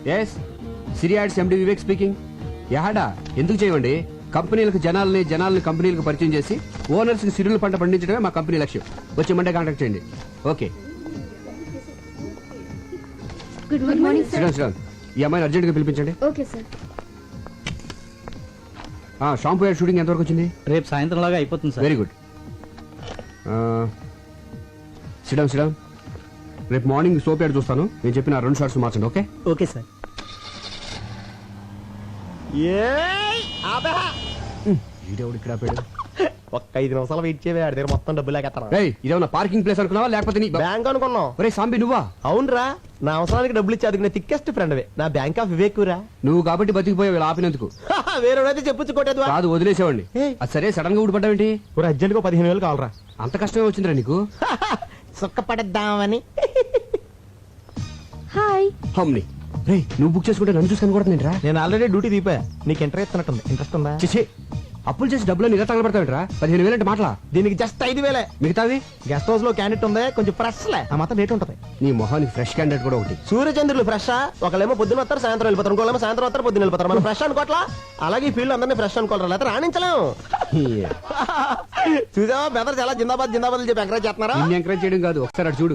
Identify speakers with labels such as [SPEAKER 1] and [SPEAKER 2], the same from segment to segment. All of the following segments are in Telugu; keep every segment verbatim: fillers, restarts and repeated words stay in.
[SPEAKER 1] ఎస్ సిరి యాడ్స్ ఎండి వివేక్ స్పీకింగ్. యాడా ఎందుకు చేయండి? కంపెనీలకు జనాల్ని జనాల్ని కంపెనీలకు పరిచయం చేసి ఓనర్స్ కి సిరుల పంట పండించడమే మా కంపెనీ లక్ష్యం. వచ్చే మండే కాంటాక్ట్ చేయండి. Okay.
[SPEAKER 2] Good morning
[SPEAKER 1] Sriram Sriram ఈ అమ్మాయిని అర్జెంట్ గా పిలిపించండి.
[SPEAKER 2] Okay sir.
[SPEAKER 1] Shampoo ad shooting ఎంతవరకు వచ్చింది?
[SPEAKER 3] రేపు సాయంత్రం లాగా అయిపోతుంది sir.
[SPEAKER 1] Very good. Sriram Sriram రేపు మార్నింగ్ సోప్ యాడ్ చూస్తాను. నేను చెప్పిన రెండు షార్ట్స్ మార్చండి. Okay
[SPEAKER 3] okay sir.
[SPEAKER 1] వీడెవడు ఇక్కడ ఆపాడు?
[SPEAKER 4] ఒక్క ఐదు నిమిషాలు వెయిట్ చేయవే, ఆడి దగ్గర మొత్తం డబ్బులు లేకెత్తాను.
[SPEAKER 1] రేయ్ ఇదేమన్నా పార్కింగ్ ప్లేస్ అనుకున్నావా లేకపోతే నీ
[SPEAKER 4] బ్యాంక్ అనుకున్నావు?
[SPEAKER 1] ఒరే సాంబి నువ్వా?
[SPEAKER 4] అవునరా, నా అవసరానికి డబ్బులు ఇచ్చి అదుకునే థిక్కెస్ట్ ఫ్రెండ్ నా బ్యాంక్ ఆఫ్ వివేక్ రా.
[SPEAKER 1] నువ్వు కాబట్టి బతికిపోయావు ఇలా ఆపినందుకు.
[SPEAKER 4] వేరేడైతే చెప్పొచ్చు కొట్టేది
[SPEAKER 1] కాదు వదిలేసేవాడిని. అది సరే సడన్ గా ఊడిపడ్డావేంటి?
[SPEAKER 4] అర్జెంట్ గా పదిహేను వేలు కావాలరా.
[SPEAKER 1] అంత కష్టమే వచ్చిందిరా నీకు?
[SPEAKER 4] సుఖపడద్దామని.
[SPEAKER 2] హాయ్.
[SPEAKER 1] హమ్ని రేయ్ నువ్వు బుక్ చేసుకుంటే నన్ను చూసుకొని కూడా నేను రా.
[SPEAKER 4] నేను ఆల్రెడీ డ్యూటీ దీపా. నీకు ఇంట్రెస్ట్ ఇస్తున్నట్టుంది. ఇంట్రెస్ట్ ఉందా?
[SPEAKER 1] చేసే అప్పులు చేసి డబ్బులు ఇలా తగలబెడతావేంట్రా? పదిహేను వేలు అంటే మాటలా?
[SPEAKER 4] దీనికి జస్ట్ ఐదు వేలే.
[SPEAKER 1] మిగతావి
[SPEAKER 4] గెస్ట్ హౌస్ లో క్యాండిడేట్ ఉంది, కొంచెం ఫ్రెష్ లే, ఆ మాత్రం రేట్ ఉంటది.
[SPEAKER 1] నీ మొహానికి ఫ్రెష్ క్యాండిడేట్ కూడా ఒకటి.
[SPEAKER 4] సూర్యచంద్రులు ఫ్రెష్. ఒకళ్ళేమో పొద్దున వస్తారు, సాయంత్రం వెళ్ళిపోతారు. ఇంకోళ్ళేమో సాయంత్రం వస్తారు, పొద్దున వెళ్ళిపోతారు. మనం ఫ్రెష్ అనుకోవట్లా? అలాగే ఈ ఫీల్డ్ అందరినీ ఫ్రెష్ అనుకోవాలి, లేకపోతే రాణించలేము. చూసావా బెదర్ చాలా జిందాబాద్ జిందాబాద్ చెప్పి ఎంకరేజ్ చేస్తున్నారా?
[SPEAKER 1] నిన్ను ఎంకరేజ్ చేయడం కాదు, ఒకసారి అటు చూడు.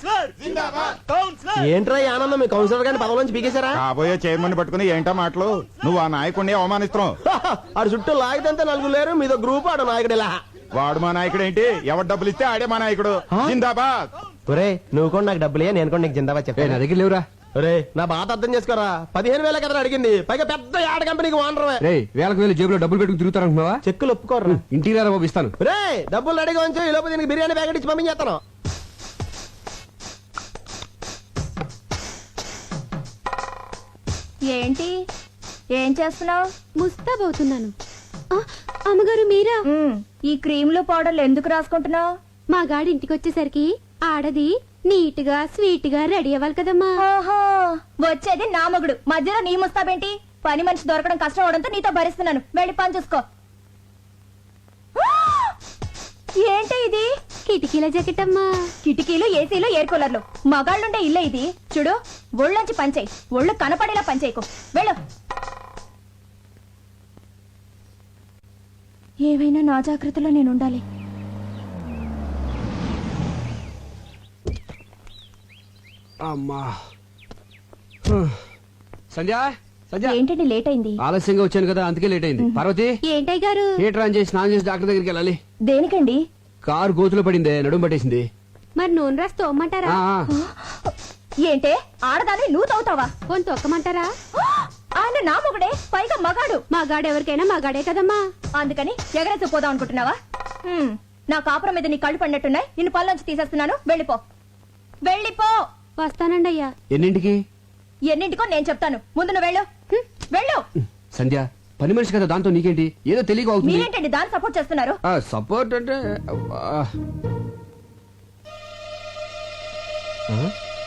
[SPEAKER 4] ఏంట్రా ఈ ఆనందం? మీ కౌన్సిలర్ గారిని పదవి నుంచి పీకేశారా?
[SPEAKER 5] కాబోయే చైర్మన్ పట్టుకుని ఏంటో మాటలు. నువ్వు ఆ నాయకుడిని అవమానిస్తున్నావు.
[SPEAKER 4] ఆడు చుట్టూ లాగితే నలుగురు లేరు, మీదో గ్రూప్ ఆడు నాయకుడు. ఇలా
[SPEAKER 5] వాడు మా నాయకుడు ఏంటి? ఎవరు డబ్బులు ఇస్తే ఆడే మా నాయకుడు. జిందాబాద్.
[SPEAKER 4] ఒరే నువ్వు కూడా నాకు డబ్బులే, నేను కూడా నీకు జిందాబాద్
[SPEAKER 1] ఏ,
[SPEAKER 4] చెప్పాను.
[SPEAKER 1] నా దగ్గర లేవురా.
[SPEAKER 4] ఒరే నా బాధ అర్థం చేసుకోరా. పదిహేను వేల కదా అడిగింది, పైగా పెద్ద యాడ కంపెనీకి వానరమే.
[SPEAKER 1] రే వేలకు వేలు జేబులో డబ్బులు పెట్టుకుని తిరుగుతారనుకున్నావా?
[SPEAKER 4] చెక్కులు ఒప్పుకోరా.
[SPEAKER 1] ఇంటికి రారా బాబు ఇస్తాను.
[SPEAKER 4] రే డబ్బులు రెడీగా ఉంచు, ఈ లోపు దీనికి బిర్యానీ ప్యాకెట్ ఇచ్చి పంపించేస్తాను.
[SPEAKER 2] ఏంటి ఏం చేస్తున్నావు?
[SPEAKER 6] ముస్తాబవుతున్నాను. అమ్మగారు మీరా?
[SPEAKER 2] ఈ క్రీములు పౌడర్లు ఎందుకు రాసుకుంటున్నావు?
[SPEAKER 6] మా గాడి ఇంటికి వచ్చేసరికి ఆడది నీట్ గా స్వీట్ గా రెడీ అవ్వాలి కదమ్మా.
[SPEAKER 2] ఓహో వచ్చేది నా మగుడు, మధ్యలో నీ ముస్తాబేంటి? పని మనిషి దొరకడం కష్టం అవడంతో నీతో భరిస్తున్నాను. వెళ్ళి పని చూసుకో. ఏంటి ఇది?
[SPEAKER 6] కిటికీల జాకెట్ అమ్మా.
[SPEAKER 2] కిటికీలు, ఏసీలు, ఎయిర్ కూలర్లు. మగాళ్ళుండే ఇల్లే ఇది. చూడు ఒళ్ళొంచి పనిచేయి, ఒళ్ళు కనపడేలా పనిచేయకు. వెళ్ళు. ఏవైనా నా జాగ్రత్తలో నేను ఉండాలి.
[SPEAKER 1] అమ్మా సంధ్య సంధ్య
[SPEAKER 2] ఏంటండి లేట్ అయింది?
[SPEAKER 1] ఆలస్యంగా వచ్చాను కదా అందుకే లేట్ అయింది. పార్వతి
[SPEAKER 6] ఏంటయ్య గారు?
[SPEAKER 1] థియేటర్ ఆన్ చేసి స్నానం చేసి డాక్టర్ దగ్గరికి వెళ్ళాలి.
[SPEAKER 2] దేనికండి?
[SPEAKER 1] కారు గోతులో పడిందే, నడుము పట్టేసింది.
[SPEAKER 6] మరి నూనె రాసి తోమ్మంటారా?
[SPEAKER 1] ఆ,
[SPEAKER 2] ఏంటే ఆడదాన్ని నువ్వు తవ్వుతావా?
[SPEAKER 6] పోని తొక్కమంటారా?
[SPEAKER 2] ఆయన నా మొగుడే, పైగా మగాడు.
[SPEAKER 6] మా గాడు ఎవరికైనా మా గాడే కదమ్మా.
[SPEAKER 2] అందుకని ఎగరేసి పోదాం అనుకుంటున్నావా? హ్మ్, నా కాపురం మీద నీ కళ్ళు పడినట్టున్నాయి. నిన్ను పళ్ళొంచి తీసేస్తున్నాను. వెళ్ళిపో వెళ్ళిపో.
[SPEAKER 6] వస్తానండి అయ్యా.
[SPEAKER 1] ఎన్నింటికి?
[SPEAKER 2] ఎన్నింటికో నేను చెప్తాను. ముందు నువ్వు వెళ్ళు. హ్మ్, వెళ్ళు.
[SPEAKER 1] సంధ్య పని మనిషి కదా, దాంతో నీకేంటి? ఏదో తెలియక అవుతుంది.
[SPEAKER 2] మీరేంటండి దాన్ని సపోర్ట్ చేస్తున్నారు?
[SPEAKER 1] సపోర్ట్ అంటే అబ్బా. ఆ?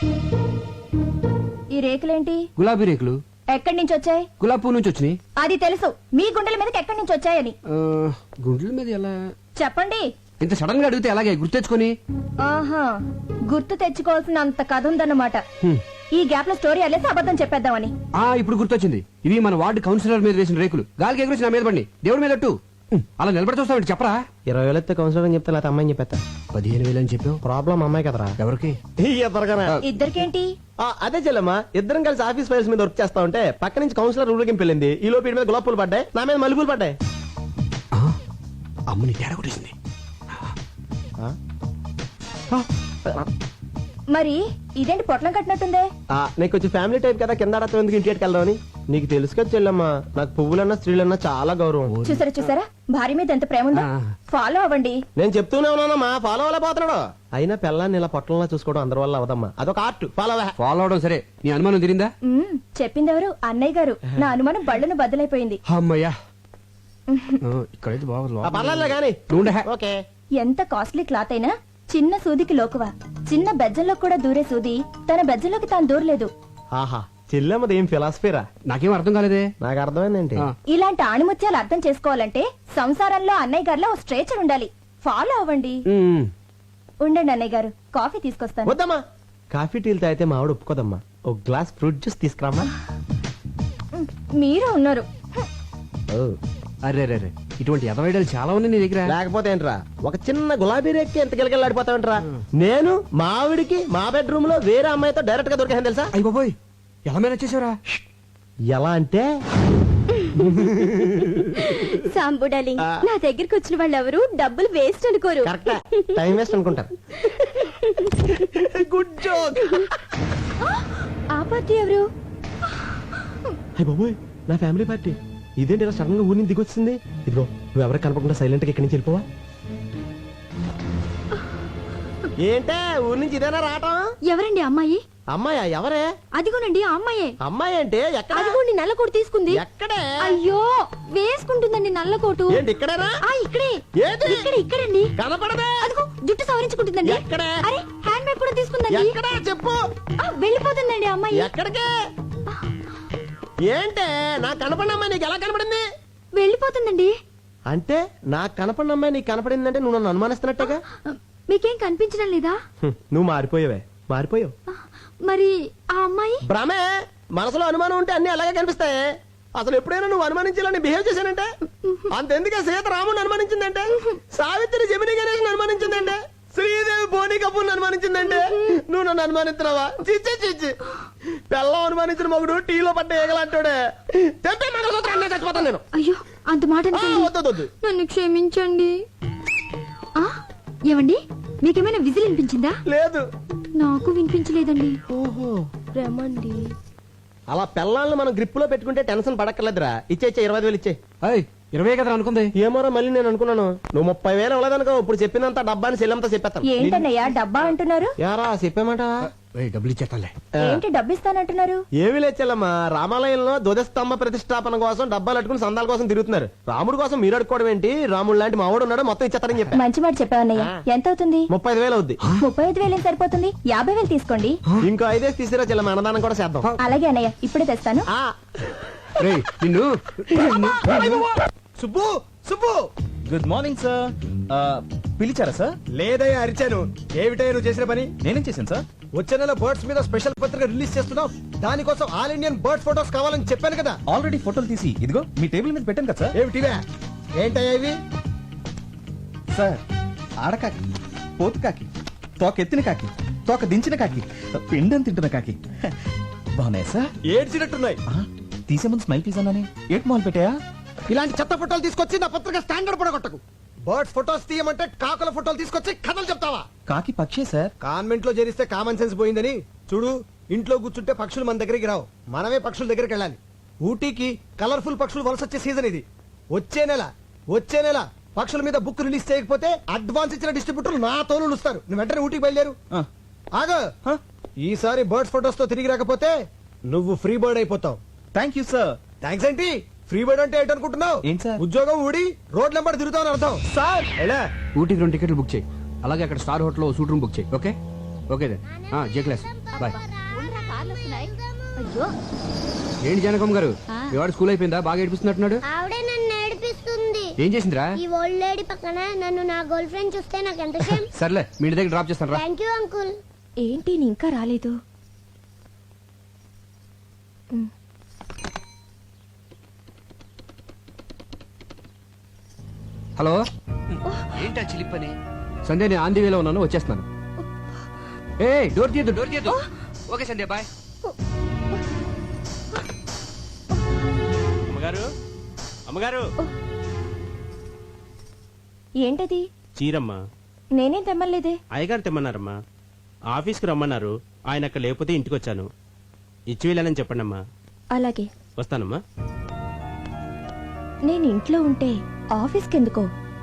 [SPEAKER 2] ఈ రేకులేంటి?
[SPEAKER 1] గులాబీ రేకులు.
[SPEAKER 2] ఎక్కడి నుంచి వచ్చాయి?
[SPEAKER 1] గులాబీ పువ్వు నుంచి వచ్చినాయి.
[SPEAKER 2] అది తెలుసు, మీ గుండెల మీదకి ఎక్కడి నుంచి వచ్చాయని.
[SPEAKER 1] ఆ, గుండెల మీద ఎలా?
[SPEAKER 2] చెప్పండి.
[SPEAKER 1] ఇంత సడన్ గా అడిగితే అలాగే గుర్తెచ్చుకొని.
[SPEAKER 2] ఆహా, గుర్తు తెచ్చుకోవాల్సిన అంత కథ ఉందన్నమాట.
[SPEAKER 1] హ్మ్.
[SPEAKER 2] ఈ గ్యాప్ లో స్టోరీ అల్లేసి అబద్ధం చెప్పేద్దామని.
[SPEAKER 1] ఆ ఇప్పుడు గుర్తొచ్చింది. ఇవి మన వార్డు కౌన్సిలర్ మీద వేసిన రేకులు. గాలికి ఎగురేసి నా మీద పడి దేవుడి మీద అట్టు. అలా నిలబడి చూస్తావు చెప్పరా?
[SPEAKER 4] ఇరవై వేలు ఎత్తే కౌన్సిలర్ అని చెప్తే లేకపోతే అమ్మాయిని చెప్పేస్తా.
[SPEAKER 1] పదిహేను వేలు అని చెప్పావు.
[SPEAKER 4] ప్రాబ్లం అమ్మాయి కదరా.
[SPEAKER 1] ఎవరికి?
[SPEAKER 2] ఇద్దరికేంటి?
[SPEAKER 4] అదే చెల్లమ్మా, ఇద్దరం కలిసి ఆఫీస్ ఫైల్స్ మీద వర్క్ చేస్తా ఉంటే పక్క నుంచి కౌన్సిలర్ ఊరికి వెళ్ళింది. ఈ లోపు మీద గులాబ్ పూలు పడ్డాయి, నా మీద మల్లెపూలు పడ్డాయి.
[SPEAKER 1] అమ్మని తేడా కొట్టేసింది.
[SPEAKER 2] మరి ఇదేంటి పొట్లం కట్టినట్టుందే?
[SPEAKER 4] నీకు వచ్చి ఫ్యామిలీ టైప్ కదా, కింద ఆడతాం ఎందుకు ఇంటికి వెళ్దామని. నీకు తెలుసు కదా చెల్లమ్మా, నాకు పువ్వులన్నా స్త్రీలన్నా చాలా గౌరవం.
[SPEAKER 2] చూసారా చూసారా భార్య మీద ఎంత ప్రేమ ఉందో. ఫాలో అవ్వండి.
[SPEAKER 4] నేను చెప్తూనే ఉన్నానమ్మా, ఫాలో అవ్వలేకపోతున్నాడు. అయినా పిల్లాన్ని ఇలా పొట్టంలా చూసుకోవడం అందరి వల్ల అవదమ్మా, అదొక ఆర్ట్. ఫాలో
[SPEAKER 1] ఫాలో అవడం సరే, నీ అనుమానం తిరిందా?
[SPEAKER 2] మ్మ్, చెప్పింది ఎవరు? అన్నయ్య గారు. నా అనుమానం బళ్ళను బద్దలైపోయింది.
[SPEAKER 1] అమ్మయ్యా, ఇక్కడైతే బాగా
[SPEAKER 4] పర్లేదు కానీ. ఓకే.
[SPEAKER 2] ఎంత కాస్ట్లీ క్లాత్ అయినా చిన్న సూదికి లోకువా. చిన్న బెజ్జంలో కూడా దూరే సూది తన బెజ్జంలోకి తాను దూరలేదు.
[SPEAKER 4] ఆహా, చెల్లెమ్మది ఏం ఫిలాసఫీరా?
[SPEAKER 1] నాకేం అర్థం కాలేదే.
[SPEAKER 4] నాకు అర్థమైందేంటి?
[SPEAKER 2] ఇలాంటి ఆణిముత్యాలు అర్థం చేసుకోవాలంటే సంసారంలో అన్నయ్య గారిలో ఓ స్ట్రేచర్ ఉండాలి. ఫాలో అవ్వండి. ఉండండి అన్నయ్య గారు, కాఫీ తీసుకొస్తాను.
[SPEAKER 4] వద్దమ్మా, కాఫీ టీలు తాగితే మా ఆవిడ ఒప్పుకోదమ్మా. ఒక గ్లాస్ ఫ్రూట్ జ్యూస్ తీసుకురామా.
[SPEAKER 2] మీరే ఉన్నారు.
[SPEAKER 1] అరే రే రే ఇటువంటి ఎదవైడలు చాలా ఉన్నాయి నీ దగ్గర.
[SPEAKER 4] లేకపోతే ఏంట్రా ఒక చిన్న గులాబీ రేక్కి ఎంత గిలగిలాడిపోతావంటరా. నేను మా ఆవిడికి మా బెడ్రూమ్ లో వేరే అమ్మాయితో డైరెక్ట్ గా దొరికాను తెలుసా.
[SPEAKER 1] అయ్య బాబోయ్ ఎలా మేనేజ్ చేసావురా?
[SPEAKER 4] ఎలా అంటే
[SPEAKER 6] సాంబు డార్లింగ్, నా దగ్గరికి వచ్చిన వాళ్ళు ఎవరు డబ్బులు వేస్ట్ అనుకోరు.
[SPEAKER 4] కరెక్ట్ టైం వేస్ట్ అనుకుంటారు. Good joke.
[SPEAKER 6] ఆ పార్టీ ఎవరు?
[SPEAKER 4] అయ్య బాబోయ్ నా ఫ్యామిలీ పార్టీ. ఇదేంటి ఇలా సడన్ గా ఊరి నుంచి దిగొచ్చింది. ఇదిగో నువ్వు ఎవరికి కనపడకుండా సైలెంట్ గా ఇక్కడి నుంచి వెళ్ళిపోవా. ఏంటే ఊరి నుంచి ఇదేనా రావటం?
[SPEAKER 6] ఎవరండి అమ్మాయి?
[SPEAKER 4] అమ్మాయా? ఎవరే?
[SPEAKER 6] అదిగోనండి ఆ అమ్మాయే.
[SPEAKER 4] అమ్మాయి అంటే ఎక్కడ?
[SPEAKER 6] అదిగోండి నల్ల కోటు తీసుకుంది.
[SPEAKER 4] ఎక్కడే?
[SPEAKER 6] అయ్యో వేసుకుంటుందండి నల్ల కోటు.
[SPEAKER 4] ఏంటి ఇక్కడేనా?
[SPEAKER 6] ఆ ఇక్కడే.
[SPEAKER 4] ఏది?
[SPEAKER 6] ఇక్కడ ఇక్కడండి.
[SPEAKER 4] కనపడదే.
[SPEAKER 6] అదిగో జుట్టు సవరించుకుంటుందండి.
[SPEAKER 4] ఎక్కడే?
[SPEAKER 6] అరే హ్యాండ్ బ్యాగ్ కూడా తీసుకుందండి.
[SPEAKER 4] ఎక్కడా చెప్పు.
[SPEAKER 6] ఆ, వెళ్ళిపోతుందండి అమ్మాయి.
[SPEAKER 4] ఎక్కడికే? ఏంటే నాకు కనపడిన అమ్మాయి నీకు ఎలా కనపడింది?
[SPEAKER 6] వెళ్ళిపోతుందండి.
[SPEAKER 4] అంటే నాకు కనపడిన అమ్మాయి నీకు కనపడిందంటే నువ్వు నన్ను అనుమానిస్తున్నట్టుగా.
[SPEAKER 6] మీకేం కనిపించడం లేదా?
[SPEAKER 4] హ్మ్, నువ్వు మారిపోయావే మారిపోయావు.
[SPEAKER 6] మరి ఆ అమ్మాయి?
[SPEAKER 4] భ్రమే. మనసులో అనుమానం ఉంటే అన్ని అలాగే కనిపిస్తాయి. అసలు ఎప్పుడైనా నువ్వు అనుమానించాలని బిహేవ్ చేశానంటే అంతెందుకే సీత రాముని అనుమానించిందంటే, సావిత్రి జమిని గణేష్ అనుమానించిందంటే, శ్రీదేవి బోని కపూర్ అనుమానించిందంటే నువ్వు నన్ను అనుమానిస్తున్నావా? చిచ్చి చిచ్చి పెళ్ళం అనుమానించిన మగుడు టీలో పడ్డ ఏగలంటాడే. తెప్పే మంగళసూత్రాన్ని చచ్చిపోతాను నేను.
[SPEAKER 6] అయ్యో అంత మాట
[SPEAKER 4] ఆ,
[SPEAKER 6] అనకండి.
[SPEAKER 4] వద్దు వద్దు.
[SPEAKER 6] నన్ను క్షమించండి. ఆ ఏమండి మీకేమైనా విజిల్ వినిపించిందా?
[SPEAKER 4] లేదు.
[SPEAKER 6] నాకు వినిపించలేదండి.
[SPEAKER 4] ఓహో
[SPEAKER 6] రమండి.
[SPEAKER 4] అలా పెళ్ళాలను మనం గ్రిప్ లో పెట్టుకుంటే టెన్షన్ పడక్కర్లేదురా. ఇచ్చే ఇచ్చే ఇరవై ఐదు వేలు ఇచ్చే.
[SPEAKER 1] అయ్ ఇరవై కదా అనుకుంది.
[SPEAKER 4] ఏమోరా మళ్ళీ నేను అనుకున్నాను నువ్వు ముప్పై వేలు ఇవ్వలేదనుకో. ఇప్పుడు చెప్పినంత డబ్బాని చెల్లంతా చెప్పేస్తాను.
[SPEAKER 2] ఏంటన్నయ్యా డబ్బా అంటున్నారు?
[SPEAKER 4] యారా చెప్పామాట.
[SPEAKER 1] ఏయ్, డబ్బులు ఇచ్చేస్తాలే.
[SPEAKER 2] ఏంటి డబ్బు ఇస్తానంటున్నారు?
[SPEAKER 4] ఏమి లేచెల్లమ్మా, రామాలయంలో ధ్వజస్తంభ ప్రతిష్టాపన కోసం డబ్బాలు అట్టుకుని సందాల కోసం తిరుగుతున్నారు. రాముడు కోసం మీరు అడుకోవడం ఏంటి? రాముడు లాంటి మావాడు ఉన్నాడు, మొత్తం ఇచ్చేస్తారని చెప్పా.
[SPEAKER 2] మంచి మాట చెప్పావన్నయ్య. ఎంత అవుతుంది?
[SPEAKER 4] ముప్పై ఐదు వేలు అవుద్ది.
[SPEAKER 2] ముప్పై ఐదు వేలు సరిపోతుంది. యాభై వేలు తీసుకోండి.
[SPEAKER 4] ఇంకో ఐదేసి తీసిరా చెల్లమ్మ, అన్నదానం కూడా చేద్దాం.
[SPEAKER 2] అలాగే అన్నయ్య ఇప్పుడే తెస్తాను.
[SPEAKER 4] ఆ.
[SPEAKER 1] రేయ్ నిన్ను
[SPEAKER 3] Subbu Subbu
[SPEAKER 5] good morning sir. పిలిచారా సార్?
[SPEAKER 3] లేదయ్యా అరిచాను. ఏమిటయ్యా నువ్వు చేసిన పని?
[SPEAKER 5] నేనేం చేశాను సార్?
[SPEAKER 3] వచ్చే నెల బర్డ్స్ మీద స్పెషల్ పత్రిక రిలీజ్ చేస్తున్నావు. దానికోసం ఆల్ ఇండియన్ బర్డ్ ఫోటోస్ కావాలని చెప్పాను కదా.
[SPEAKER 5] ఆల్రెడీ ఫోటోలు తీసి ఇదిగో మీ టేబుల్ మీద పెట్టాను కదా సార్.
[SPEAKER 3] ఏమిటివే? ఏంటయ్యా ఇవి?
[SPEAKER 5] సార్ ఆడకాకి, పోతు కాకి, తోక ఎత్తిన కాకి, తోక దించిన కాకి, పిండం తింటున్న కాకి బాగున్నాయి సార్.
[SPEAKER 3] ఏడ్చినట్టున్నాయి.
[SPEAKER 5] ఆ, తీసే ముందు స్మైల్ ప్లీజ్ అన్నానే. At mall పెట్టాయా?
[SPEAKER 3] ఇలాంటి చెత్త ఫోటోలు తీసుకొచ్చి నా పత్రిక స్టాండర్డ్ పడగొట్టకు. బర్డ్స్ ఫోటోస్ తీయమంటే కాకుల ఫోటోలు తీసుకొచ్చి కథలు చెప్తావా?
[SPEAKER 5] కాకి పక్షే సార్.
[SPEAKER 3] కాన్వెంట్ లో చేరిస్తే కామన్ సెన్స్ పోయిందని చూడు. ఇంట్లో కూర్చుంటే పక్షులు మన దగ్గరికి రావు, మనమే పక్షుల దగ్గరికి వెళ్ళాలి. ఊటీకి కలర్ఫుల్ పక్షులు వలస వచ్చే సీజన్ ఇది. వచ్చే నెల వచ్చే నెల పక్షుల మీద బుక్ రిలీజ్ చేయకపోతే అడ్వాన్స్ ఇచ్చిన డిస్ట్రిబ్యూటర్లు నా తోలు ఇస్తారు. నువ్వు వెంటనే ఊటీకి బయలుదేరు.
[SPEAKER 5] ఆ,
[SPEAKER 3] ఆగో, ఈసారి బర్డ్స్ ఫోటోస్ తో తిరిగి రాకపోతే నువ్వు ఫ్రీ బర్డ్ అయిపోతావు.
[SPEAKER 5] Thank you sir.
[SPEAKER 3] థ్యాంక్స్ ఏంటి? ఫ్రీ బర్డ్ అంటే ఏంటనుకుంటున్నావు?
[SPEAKER 5] ఏంటి సార్?
[SPEAKER 3] ఉద్యోగం ఊడి రోడ్ల వెంబడి తిరుగుతావు అర్థం.
[SPEAKER 5] సార్
[SPEAKER 3] ఎలా?
[SPEAKER 1] ఊటీకి రెండు టికెట్లు బుక్ చేయి. అలాగే అక్కడ స్టార్ హోటల్ లో సూట్ రూమ్ బుక్ చేయి. Okay okay then. జే క్లాస్ బాయ్.
[SPEAKER 6] అయ్యో
[SPEAKER 1] ఏంటి జానకమ్మ గారు, మీ వాడు స్కూల్ అయిపోయిందా? బాగా ఏడిపిస్తున్నట్టున్నాడు.
[SPEAKER 7] ఆవిడే నన్ను ఏడిపిస్తుంది.
[SPEAKER 1] ఏం చేసిందిరా?
[SPEAKER 7] ఈ ఓల్డ్ లేడీ పక్కన నన్ను నా గర్ల్ ఫ్రెండ్ చూస్తే నాకు ఎంత షేమ్.
[SPEAKER 1] సర్లే మీ ఇంటి దగ్గర డ్రాప్ చేస్తాను రా.
[SPEAKER 7] Thank you uncle.
[SPEAKER 2] ఏంటి నీ ఇంకా రాలేదు?
[SPEAKER 1] హలో ఏంటా చిలిపని? సంధ్య నేను ఆంధీ వేలో ఉన్నాను, వచ్చేస్తున్నాను. ఏ డోర్ తీయద్దు డోర్ తీయద్దు. ఓకే సంధ్య బాయ్.
[SPEAKER 8] అమ్మగారు అమ్మగారు
[SPEAKER 2] ఏంటది?
[SPEAKER 8] చీరమ్మా.
[SPEAKER 2] నేనేం తెమ్మలేదే.
[SPEAKER 8] అయ్యగారు తెమ్మన్నారమ్మా. ఆఫీస్కి రమ్మన్నారు. ఆయన అక్కడ లేకపోతే ఇంటికి వచ్చాను. ఇచ్చి వెళ్ళానని చెప్పండమ్మా.
[SPEAKER 2] అలాగే
[SPEAKER 8] వస్తానమ్మా.
[SPEAKER 2] నేను ఇంట్లో ఉంటే ఆఫీస్కి ఎందుకో?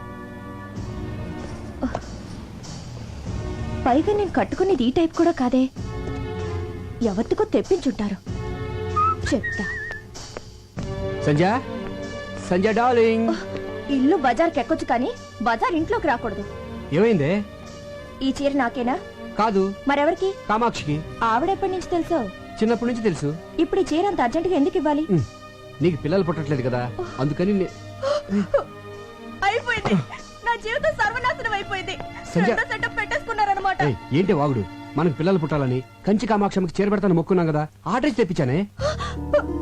[SPEAKER 2] పైగా నేను కట్టుకునేది ఈ టైప్ కూడా కాదే. ఎవరికో తెప్పించుంటారు. చెప్తా.
[SPEAKER 1] సంధ్య సంధ్య డార్లింగ్.
[SPEAKER 2] ఇల్లు బజార్కి ఎక్కొచ్చు కానీ బజార్ ఇంట్లోకి రాకూడదు.
[SPEAKER 1] ఏమైందే?
[SPEAKER 2] ఈ చీర నాకేనా?
[SPEAKER 1] కాదు
[SPEAKER 2] మరెవరికి?
[SPEAKER 1] కామాక్షికి.
[SPEAKER 2] ఆవిడెప్పటి నుంచి తెలుసో?
[SPEAKER 1] చిన్నప్పటి నుంచి తెలుసు.
[SPEAKER 2] ఇప్పుడు ఈ చీర అంత అర్జెంటుగా ఎందుకు ఇవ్వాలి?
[SPEAKER 1] ఉమ్, నీకు పిల్లలు పుట్టట్లేదు కదా అందుకని నే-
[SPEAKER 2] అయిపోయింది. నా జీవితం సర్వనాశనం అయిపోయింది.
[SPEAKER 1] సంధ్య.
[SPEAKER 2] రెండో సెటప్ పెట్టేసుకున్నారన్నమాట.
[SPEAKER 1] ఏయ్, ఏంటి వాగుడు? మనకు పిల్లలు పుట్టాలని కంచి కామాక్షమికి చేరబెడతాను మొక్కున్నాం కదా ఆర్డర్ తెప్పించానే